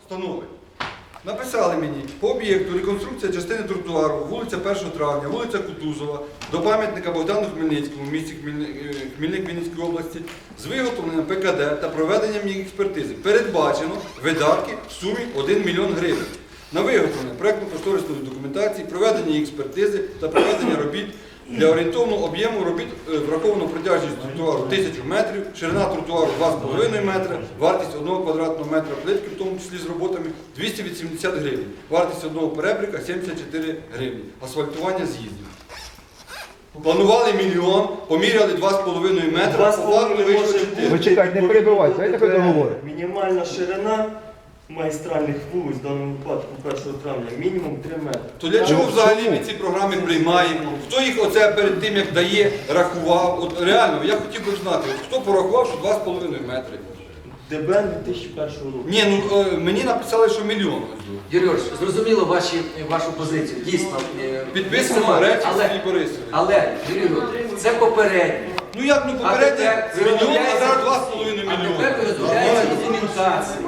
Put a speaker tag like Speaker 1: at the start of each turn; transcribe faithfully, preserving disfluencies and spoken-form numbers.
Speaker 1: встановить. Написали мені, по об'єкту реконструкція частини тротуару, вулиця першого травня, вулиця Кутузова, до пам'ятника Богдану Хмельницькому в місті Хмельник Вінницької області з виготовленням Пе Ка Де та проведенням їх експертизи передбачено видатки в сумі один мільйон гривень на виготовлення проєктно-кошторисної документації, проведення її експертизи та проведення робіт. Для орієнтовного об'єму робіт враховано протяжність тротуару тисячу метрів, ширина тротуару два з половиною метра, вартість одного квадратного метра плитки, в тому числі з роботами, двісті вісімдесят гривень, вартість одного перебрика сімдесят чотири гривні, асфальтування з'їздів. Планували мільйон, поміряли два з половиною метра,
Speaker 2: Два з
Speaker 1: по факту
Speaker 2: половиною
Speaker 1: вийшло
Speaker 2: може
Speaker 1: чотири.
Speaker 3: Ви чекайте, не перебивайте, дайте хай договорить.
Speaker 2: Мінімальна ширина магістральних вулиць, в даному випадку першого травня, мінімум три метри.
Speaker 1: То для чого взагалі ми ці програми приймаємо? Хто їх оце перед тим, як дає, рахував? От реально, я хотів би знати, от хто порахував, що два з половиною метри?
Speaker 2: Де Бе ен дві тисячі першого року.
Speaker 1: Ні, ну е, мені написали, що мільйон.
Speaker 4: Юрій Ігорович, зрозуміло ваші, вашу позицію, дійсно. е,
Speaker 1: Підписано
Speaker 4: максимально.
Speaker 1: речі
Speaker 4: Але-
Speaker 1: Сергій Борисович.
Speaker 4: Але, Юрій Ігорович, це попередньо.
Speaker 1: Ну як, ну
Speaker 4: А
Speaker 1: попередньо
Speaker 4: тепер
Speaker 1: мільйон, а
Speaker 4: розробляється-
Speaker 1: зараз два з половиною
Speaker 4: А
Speaker 1: мільйони.
Speaker 4: тепер розробляється документація.